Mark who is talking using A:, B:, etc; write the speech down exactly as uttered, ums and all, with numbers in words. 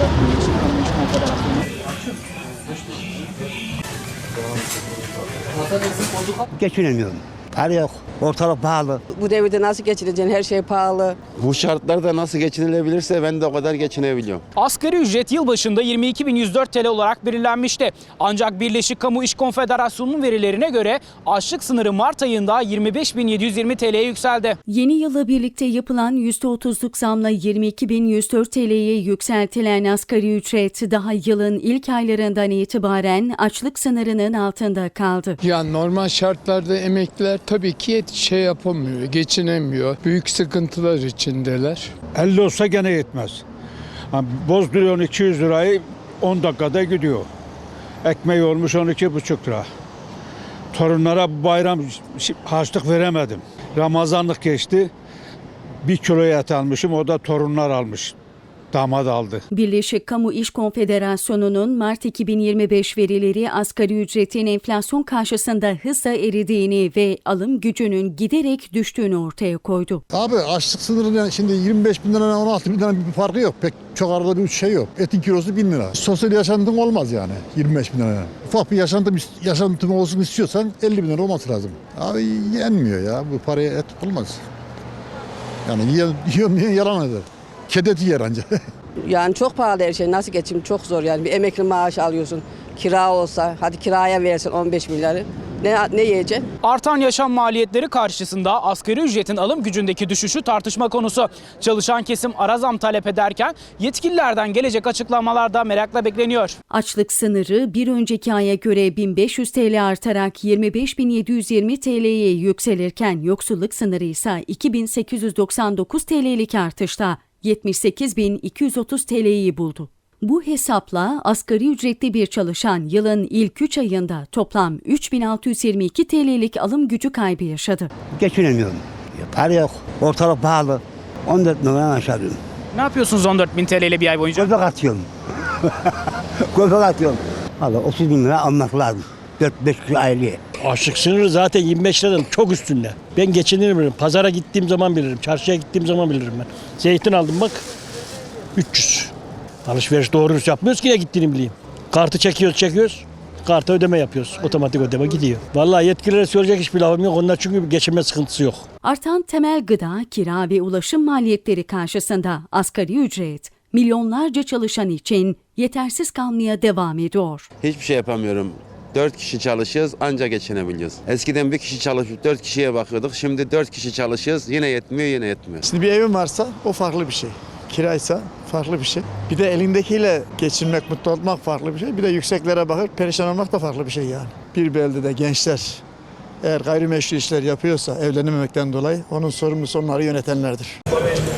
A: Birleşik Kamu İş Konfederasyonu.
B: Geçinemiyorum. Para yok. Ortalık pahalı.
C: Bu devirde nasıl geçineceksin? Her şey pahalı.
D: Bu şartlarda nasıl geçinilebilirse ben de o kadar geçinebiliyorum.
A: Asgari ücret yılbaşında yirmi iki bin yüz dört T L olarak belirlenmişti. Ancak Birleşik Kamu İş Konfederasyonu'nun verilerine göre açlık sınırı Mart ayında yirmi beş bin yedi yüz yirmi T L'ye yükseldi.
E: Yeni yılla birlikte yapılan yüzde otuzluk zamla yirmi iki bin yüz dört T L'ye yükseltilen asgari ücret daha yılın ilk aylarından itibaren açlık sınırının altında kaldı.
F: Ya normal şartlarda emekliler tabii ki şey yapamıyor, geçinemiyor. Büyük sıkıntılar içindeler.
G: elli olsa gene yetmez. Bozduruyorsun iki yüz lirayı on dakikada gidiyor. Ekmeği olmuş on iki buçuk lira. Torunlara bu bayram harçlık veremedim. Ramazanlık geçti. Bir kilo et almışım, o da torunlar almış. Damat aldı.
E: Birleşik Kamu İş Konfederasyonu'nun Mart iki bin yirmi beş verileri asgari ücretin enflasyon karşısında hızla eridiğini ve alım gücünün giderek düştüğünü ortaya koydu.
H: Abi açlık sınırının şimdi yirmi beş bin liradan on altı bin liradan bir farkı yok. Pek çok arada bir şey yok. Etin kilosu bin lira. Sosyal yaşantın olmaz yani yirmi beş bin lira. Ufak bir yaşantım, yaşantım olsun istiyorsan elli bin lira olması lazım. Abi yenmiyor ya. Bu paraya et olmaz. Yani yiyorum, yiyorum diye yalan eder. Kedet yer anca.
C: Yani çok pahalı her şey. Nasıl geçim? Çok zor yani. Bir emekli maaşı alıyorsun. Kira olsa, hadi kiraya versin on beş milyarı. Ne, ne yiyeceksin?
A: Artan yaşam maliyetleri karşısında asgari ücretin alım gücündeki düşüşü tartışma konusu. Çalışan kesim ara zam talep ederken yetkililerden gelecek açıklamalar da merakla bekleniyor.
E: Açlık sınırı bir önceki aya göre bin beş yüz T L artarak yirmi beş bin yedi yüz yirmi T L'ye yükselirken yoksulluk sınırı ise iki bin sekiz yüz doksan dokuz T L'lik artışta yetmiş sekiz bin iki yüz otuz T L'yi buldu. Bu hesapla asgari ücretli bir çalışan yılın ilk üç ayında toplam üç bin altı yüz yirmi iki T L'lik alım gücü kaybı yaşadı.
B: Geçinemiyorum. Para yok. Ortalık pahalı. on dört liradan aşağı diyorum.
A: Ne yapıyorsunuz on dört bin T L ile bir ay boyunca?
B: Göbek atıyorum. Göbek atıyorum. Valla otuz bin lira almak lazım. dört beş kişi aileye.
I: Açlık sınırı zaten yirmi beş liradan çok üstünde. Ben geçinirim bilirim. Pazara gittiğim zaman bilirim. Çarşıya gittiğim zaman bilirim ben. Zeytin aldım bak. üç yüz. Alışveriş doğru dürüst yapmıyoruz ki ne gittiğini bileyim. Kartı çekiyoruz çekiyoruz. Karta ödeme yapıyoruz. Otomatik ödeme gidiyor. Vallahi yetkililere söyleyecek hiçbir lafım yok. Onlar çünkü geçinme sıkıntısı yok.
E: Artan temel gıda, kira ve ulaşım maliyetleri karşısında asgari ücret milyonlarca çalışan için yetersiz kalmaya devam ediyor.
D: Hiçbir şey yapamıyorum. Dört kişi çalışıyoruz ancak geçinebiliyoruz. Eskiden bir kişi çalışıp dört kişiye bakıyorduk. Şimdi dört kişi çalışıyoruz yine yetmiyor yine yetmiyor.
J: Şimdi bir evin varsa o farklı bir şey. Kiraysa farklı bir şey. Bir de elindekiyle geçinmek, mutlu olmak farklı bir şey. Bir de yükseklere bakıp perişan olmak da farklı bir şey yani. Bir beldede gençler eğer gayrimeşru işler yapıyorsa evlenememekten dolayı onun sorumlusu onları yönetenlerdir.